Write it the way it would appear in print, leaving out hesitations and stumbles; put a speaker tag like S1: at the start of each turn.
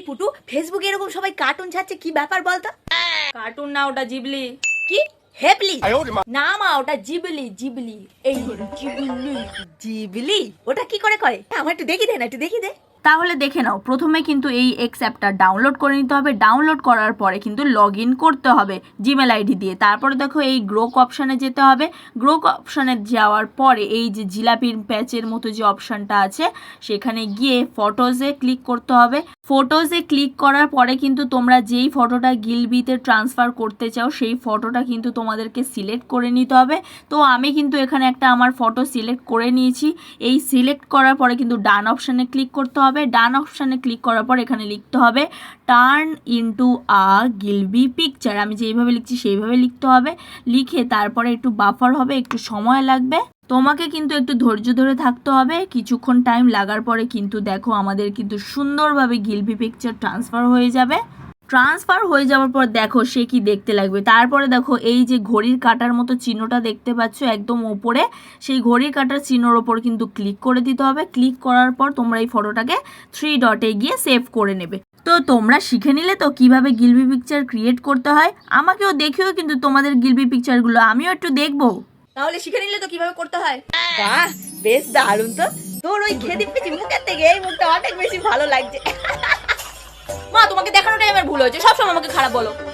S1: পুটু, ফেসবুকে এরকম সবাই কার্টুন ছাড়ছে, কি ব্যাপার বলতো?
S2: কার্টুন না, ওটা জিবলি।
S1: কি হেবলি? না মা, ওটা জিবলি। জিবলি এই জিবলি। জিবলি ওটা কি করে করে? আমার একটু দেখি দে না, একটু দেখি দে।
S2: তাহলে দেখে নাও, প্রথমে কিন্তু এই এক্স অ্যাপটা ডাউনলোড করে নিতে হবে। ডাউনলোড করার পরে কিন্তু লগ ইন করতে হবে জিমেল আইডি দিয়ে। তারপরে দেখো এই গ্রোক অপশানে যেতে হবে। গ্রোক অপশানে যাওয়ার পরে এই যে জিলাপির প্যাচের মতো যে অপশানটা আছে সেখানে গিয়ে ফটোজে ক্লিক করতে হবে। ফটোজে ক্লিক করার পরে কিন্তু তোমরা যেই ফটোটা গিলবিতে ট্রান্সফার করতে চাও সেই ফটোটা কিন্তু তোমাদেরকে সিলেক্ট করে নিতে হবে। তো আমি কিন্তু এখানে একটা আমার ফটো সিলেক্ট করে নিয়েছি। এই সিলেক্ট করার পরে কিন্তু ডান অপশানে ক্লিক করতে হবে। ডান অপশানে ক্লিক করার পর এখানে লিখতে হবে টার্ন ইনটু আ গিলবি পিকচার। আমি যেইভাবে লিখছি সেইভাবে লিখতে হবে। লিখে তারপরে একটু বাফার হবে, একটু সময় লাগবে। তোমাকে কিন্তু একটু ধৈর্য ধরে থাকতে হবে। কিছুক্ষণ টাইম লাগার পরে কিন্তু দেখো আমাদের কিন্তু সুন্দরভাবে গিলবি পিকচার ট্রান্সফার হয়ে যাবে। ট্রান্সফার হয়ে যাওয়ার পর দেখো সে কি দেখতে লাগবে। তারপরে দেখো এই যে ঘড়ির কাঁটার মতো চিহ্নটা দেখতে পাচ্ছ একদম ওপরে, সেই ঘড়ির কাঁটার চিহ্নর ওপর কিন্তু ক্লিক করে দিতে হবে। ক্লিক করার পর তোমরা এই ফটোটাকে 3 ডটে গিয়ে সেভ করে নেবে। তো তোমরা শিখে নিলে তো কিভাবে গিলবি পিকচার ক্রিয়েট করতে হয়। আমাকেও দেখিও কিন্তু তোমাদের গিলবি পিকচারগুলো, আমিও একটু দেখবো।
S1: তাহলে শিখে নিলে তো কিভাবে করতে হয়। বাহ, বেশ দারুণ তো। তোর ওই খেদি পিচি মুখের থেকে এই মুখটা অনেক বেশি ভালো লাগছে।
S2: মা, তোমাকে দেখানোটাই আমার ভুল হয়েছে, সবসময় আমাকে খারাপ বলো।